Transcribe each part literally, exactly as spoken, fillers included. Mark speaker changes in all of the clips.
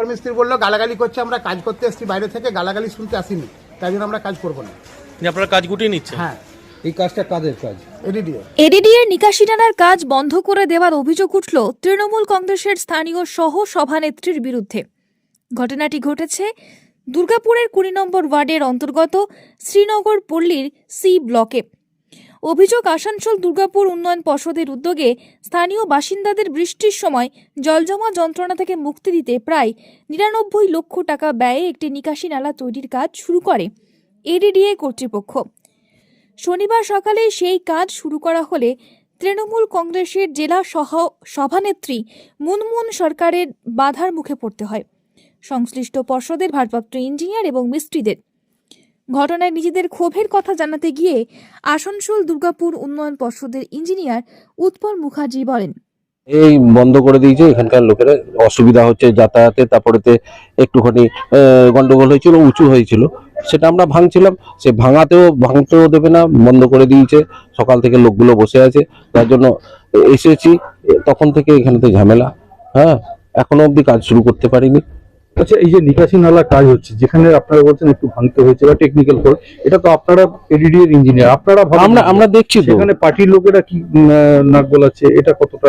Speaker 1: মিস্ত্রি বললো গালাগালি করছে, আমরা কাজ করতে এসেছি বাইরে থেকে, গালাগালি শুনতে আসিনি, তাই জন্য আমরা কাজ করবো না।
Speaker 2: আপনারা কাজ গুটিয়ে নিচ্ছেন?
Speaker 1: হ্যাঁ।
Speaker 3: এই কাজটা কাদের কাজ?
Speaker 1: এডিডিএ
Speaker 4: এডিডিএর নিকাশি টানার কাজ বন্ধ করে দেওয়ার অভিযোগ উঠল তৃণমূল কংগ্রেসের স্থানীয় সহ সভানেত্রীর বিরুদ্ধে। ঘটনাটি ঘটেছে দুর্গাপুরের কুড়ি নম্বর ওয়ার্ডের অন্তর্গত শ্রীনগর পল্লীর সি ব্লকে। অভিযোগ, আসানসোল দুর্গাপুর উন্নয়ন পর্ষদের উদ্যোগে স্থানীয় বাসিন্দাদের বৃষ্টির সময় জলজমা যন্ত্রণা থেকে মুক্তি দিতে প্রায় নিরানব্বই লক্ষ টাকা ব্যয়ে একটি নিকাশি নালা তৈরির কাজ শুরু করে এডিডিএ কর্তৃপক্ষ। শনিবার সকালে সেই কাজ শুরু করা হলে তৃণমূল কংগ্রেসের জেলা সহ সভানেত্রী মুনমুন সরকারের বাধার মুখে পড়তে হয় সংশ্লিষ্ট পর্ষদের ভারপ্রাপ্ত ইঞ্জিনিয়ার এবং মিস্ত্রিদের। ঘটনায় নিজেদের ক্ষোভের কথা জানাতে গিয়ে আসানসোল দুর্গাপুর উন্নয়ন পর্ষদের ইঞ্জিনিয়ার উৎপল মুখার্জি বলেন,
Speaker 5: এই বন্ধ করে দিয়েছে, এখানকার লোকেরা অসুবিধা হচ্ছে যাতায়াতে, তারপরেতে একটুখানি গন্ডগোল হয়েছিল, উঁচু হয়েছিল, সেটা আমরা ভাঙছিলাম, সে ভাঙাতেও ভাঙতেও দেবে না, বন্ধ করে দিয়েছে। সকাল থেকে লোকগুলো বসে আছে, তার জন্য এসেছি, তখন থেকে এখানেতে ঝামেলা। হ্যাঁ, এখনো অবধি কাজ শুরু করতে পারিনি।
Speaker 3: আচ্ছা, এই যে নিকাশি নালা কাজ হচ্ছে, যেখানে আপনারা বলছেন একটু ভাঙতে হয়েছে বা টেকনিক্যাল ফল্ট, এটা তো আপনারা এডিডিএর ইঞ্জিনিয়ার, আপনারা
Speaker 5: আমরা আমরা দেখছি তো
Speaker 3: সেখানে পার্টির লোকেরা কি নাক গলাচ্ছে, এটা কতটা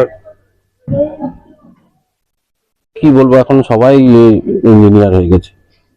Speaker 5: কি বলবো, এখন সবাই ইঞ্জিনিয়ার হয়ে গেছে।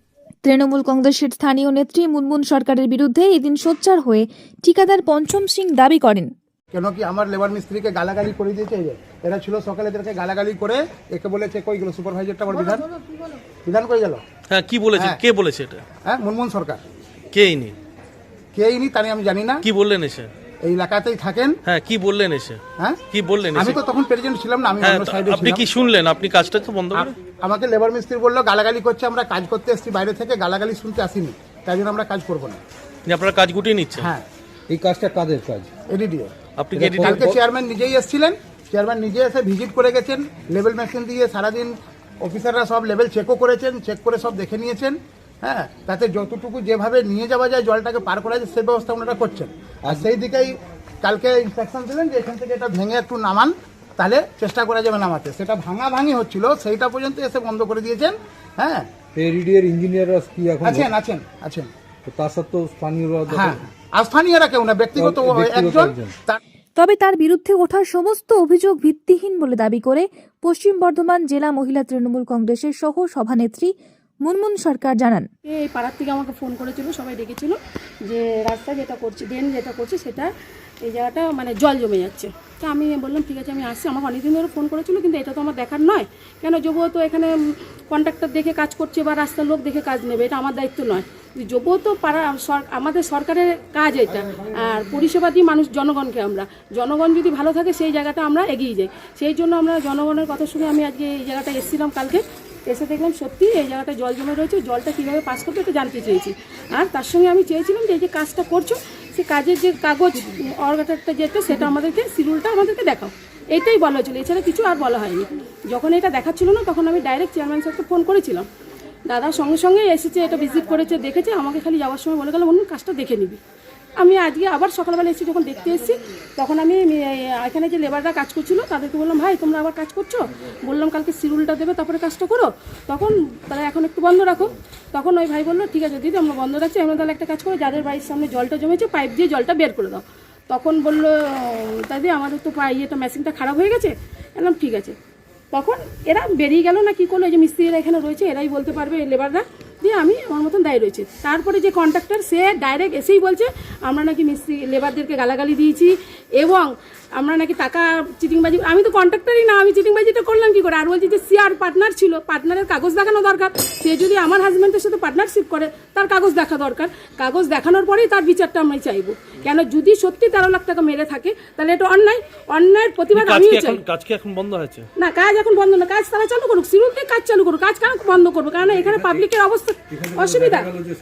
Speaker 4: তৃণমূল কংগ্রেসের স্থানীয় নেত্রী মুনমুন সরকারের বিরুদ্ধে এদিন সোচ্চার হয়ে ঠিকাদার পঞ্চম সিং দাবি করেন,
Speaker 1: কেন কি আমার লেবার মিস্ত্রিকে গালাগালি করে দিয়েছে। এই যে এরা ছিল সকালে, এদেরকে গালাগালি করে একে বলেছে কই গেল সুপারভাইজারটা, আমার বিধান বিধান করে গেল।
Speaker 2: হ্যাঁ, কি বলেছে? কে বলেছে এটা?
Speaker 1: হ্যাঁ, মুনমুন সরকার।
Speaker 2: কে ইনি?
Speaker 1: কে ইনি তা আমি জানি না।
Speaker 2: কি বললেন এসে?
Speaker 1: এই এলাকাতেই থাকেন।
Speaker 2: হ্যাঁ, কি বললেন এসে?
Speaker 1: হ্যাঁ,
Speaker 2: কি বললেন এসে?
Speaker 1: আমি তো তখন প্রেজেন্ট ছিলাম না, আমি
Speaker 2: হ্যাঁ,
Speaker 1: অন্য সাইডে
Speaker 2: আপনি
Speaker 1: ছিলাম।
Speaker 2: কি শুনলেন? আপনি কাজটা তো বন্ধ করে
Speaker 1: আমাকে লেবার মিস্ত্রি বললো গালাগালি করছে, আমরা কাজ করতে এসেছি বাইরে থেকে, গালাগালি শুনতে আসিনি, তাই জন্য আমরা কাজ করবো না।
Speaker 2: আপনারা কাজ গুটিয়ে নিচ্ছেন?
Speaker 1: হ্যাঁ।
Speaker 3: এই কাজটা কাদের কাজ?
Speaker 1: এডিডিএ।
Speaker 2: আপনি কি এডিডিএ?
Speaker 1: কালকে চেয়ারম্যান নিজেই এসেছিলেন, চেয়ারম্যান নিজে এসে ভিজিট করে গেছেন, লেভেল মেশিন দিয়ে সারাদিন অফিসাররা সব লেভেল চেকও করেছেন, চেক করে সব দেখে নিয়েছেন। হ্যাঁ, তাতে যতটুকু যেভাবে নিয়ে যাওয়া যায়, জলটাকে পার করা যায়, সেই ব্যবস্থা ওনারা করছেন। আর সেই দিকেই কালকে ইনস্ট্রাকশন দিলেন যে এখান থেকে এটা ভেঙে একটু নামান, তাহলে চেষ্টা করা যাবে নামাতে। সেটা ভাঙা ভাঙি হচ্ছিল, সেইটা পর্যন্ত এসে বন্ধ করে দিয়েছেন। হ্যাঁ,
Speaker 3: এডিডিএর ইঞ্জিনিয়াররা কি এখন
Speaker 1: আছেন আছেন আছেন
Speaker 3: তার সত্ত্বেও স্থানীয়রা?
Speaker 1: হ্যাঁ, আর স্থানীয়রা কেউ না, ব্যক্তিগত একজন।
Speaker 4: তবে তার বিরুদ্ধে ওঠা সমস্ত অভিযোগ ভিত্তিহীন বলে দাবি করে পশ্চিম বর্ধমান জেলা মহিলা তৃণমূল কংগ্রেসের সহ সভানেত্রী মুনমুন সরকার জানান,
Speaker 6: এই পাড়ার থেকে আমাকে ফোন করেছিল, সবাই ডেকেছিল যে রাস্তা যেটা করছে, ড্রেন যেটা করছে, সেটা এই জায়গাটা মানে জল জমে যাচ্ছে। তো আমি বললাম ঠিক আছে আমি আসছি। আমাকে অনেকদিন ধরে ফোন করেছিল, কিন্তু এটা তো আমার দেখার নয়, কেন যবুও তো এখানে কন্ট্রাক্টর দেখে কাজ করছে বা রাস্তার লোক দেখে কাজ নেবে, এটা আমার দায়িত্ব নয়। যবুও তো পাড়া আমাদের সরকারের কাজ এটা, আর পরিষেবা দিই মানুষ জনগণকে। আমরা জনগণ যদি ভালো থাকে সেই জায়গাটা আমরা এগিয়ে যাই, সেই জন্য আমরা জনগণের কথা শুনে আমি আজকে এই জায়গাটা এসেছিলাম। কালকে এসে দেখলাম সত্যি এই জায়গাটা জল জমে রয়েছে, জলটা কীভাবে পাস করবে এটা জানতে চেয়েছি। আর তার সঙ্গে আমি চেয়েছিলাম যে এই যে কাজটা করছো, সে কাজের যে কাগজ অর্গাটারটা যেটা, সেটা আমাদেরকে শিডিউলটা আমাদেরকে দেখাও, এইটাই বলা হয়েছিল, এছাড়া কিছু আর বলা হয়নি। যখন এটা দেখাচ্ছিল না, তখন আমি ডাইরেক্ট চেয়ারম্যান স্যারকে ফোন করেছিলাম। দাদা সঙ্গে সঙ্গে এসেছে, এটা ভিজিট করেছে, দেখেছে, আমাকে খালি যাওয়ার সময় বলে গেল অন্য কাজটা দেখে নিবি। আমি আজকে আবার সকালবেলা এসে যখন দেখতে এসেছি, তখন আমি এখানে যে লেবাররা কাজ করছিল তাদেরকে বললাম, ভাই তোমরা আবার কাজ করছো? বললাম কালকে শিডিউলটা দেবে, তারপরে কাজটা করো। তখন তারা এখন একটু বন্ধ রাখো। তখন ওই ভাই বললো ঠিক আছে দিদি, আমরা বন্ধ রাখছি, আমরা তাহলে একটা কাজ করো, যাদের বাড়ির সামনে জলটা জমেছে পাইপ দিয়ে জলটা বের করে দাও। তখন বললো দাদি আমাদের তো ইয়েটা মেশিনটা খারাপ হয়ে গেছে। বললাম ঠিক আছে। তখন এরা বেরিয়ে গেল না কি করলো, এই যে মিস্ত্রিরা এখানে রয়েছে, এরাই বলতে পারবে, লেবাররা, দিয়ে আমি আমার মতন দায়ী রয়েছে। তারপরে যে কন্ট্রাক্টর, সে ডাইরেক্ট এসেই বলছে আমরা নাকি মিস্ত্রি লেবারদেরকে গালাগালি দিয়েছি এবং আমরা নাকি টাকা চিটিংবাজি। আমি তো কন্ট্রাক্টরই না, আমি চিটিংবাজিটা করলাম কি করে? আর বলছি যে সিআর পার্টনার ছিল, পার্টনারের কাগজ দেখানো দরকার। সে যদি আমার হাজব্যান্ডের সাথে পার্টনারশিপ করে, তার কাগজ দেখা দরকার। কাগজ দেখানোর পরেই তার বিচারটা আমি চাইবো। কেন যদি সত্যি তেরো লাখ টাকা মেরে থাকে, তাহলে এটা অন্যায়, অন্যায়ের প্রতিবাদ আমিও চাই।
Speaker 2: কাজ কি এখন বন্ধ হয়েছে?
Speaker 6: না, কাজ এখন বন্ধ না, কাজ তারা চালু করুক, শিডিউলকে কাজ চালু করুক, কাজ কেন বন্ধ করবো? কারণ এখানে পাবলিকের অবস্থা অসুবিধা।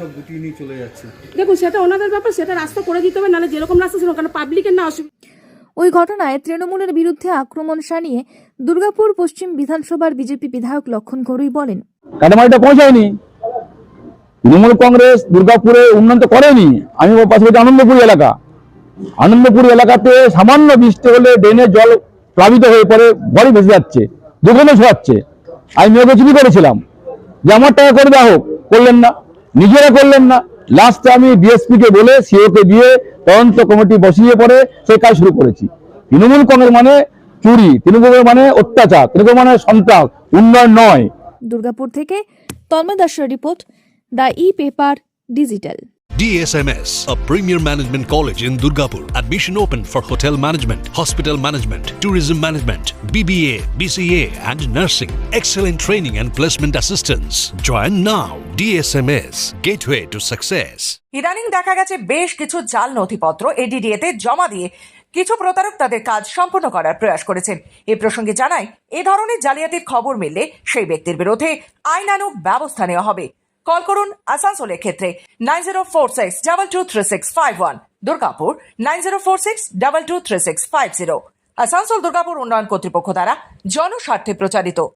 Speaker 6: দেখুন সেটা ওনাদের ব্যাপার, সেটা রাস্তা করে দিতে হবে, নাহলে যেরকম রাস্তা ছিল, কারণ পাবলিকের না অসুবিধা।
Speaker 4: ওই ঘটনায় তৃণমূলের বিরুদ্ধে আক্রমণ শানিয়ে দুর্গাপুর পশ্চিম বিধানসভার বিজেপি বিধায়ক লক্ষণ ঘরুই বলেন,
Speaker 7: কাটামারিটা পৌঁছায়নি, তৃণমূল কংগ্রেস দুর্গাপুরে উন্নয়ন করেনি। আমি পাশাপাশি আনন্দপুর এলাকা, আনন্দপুর এলাকাতে সামান্য বৃষ্টি হলে ড্রেনের জল প্লাবিত হয়ে পড়ে, ঘরে ভেসে যাচ্ছে, দোকানে শোয়াচ্ছে। আমি মেয়েকে চুরি করেছিলাম, যে আমার টাকা করে দেওয়া হোক, করলেন না, নিজেরা করলেন না। লাস্টে আমি ডিএসপি কে বলে সিও কে দিয়ে তদন্ত কমিটি বসিয়ে পরে সেই কাজ শুরু করেছি। তৃণমূল কংগ্রেস মানে চুরি, তৃণমূল মানে অত্যাচার, তৃণমূল মানে সন্ত্রাস, উন্নয়ন নয়।
Speaker 4: দুর্গাপুর থেকে তন্ময় দাসের রিপোর্ট, the e paper digital.
Speaker 8: D S M S, a premier management college in Durgapur. Admission open for hotel management, hospital management, tourism management, B B A, B C A and nursing. Excellent training and placement assistance. Join now. D S M S, gateway to success.
Speaker 9: ইদানিং দেখা গেছে বেশ কিছু জাল নথিপত্র ADDA তে জমা দিয়ে কিছু প্রতারক তাদের কাজ সম্পূর্ণ করার প্রয়াস করেছেন। এ প্রসঙ্গে জানাই, এ ধরনের জালিয়াতির খবর মিললে সেই ব্যক্তির বিরুদ্ধে আইনানুগ ব্যবস্থা নেওয়া হবে। কল করুন আসানসোলের ক্ষেত্রে nine zero four six double two three six five one, Durgapur nine zero four six double two three six five zero. Asansol Durgapur উন্নয়ন কর্তৃপক্ষ দ্বারা জনস্বার্থে প্রচারিত।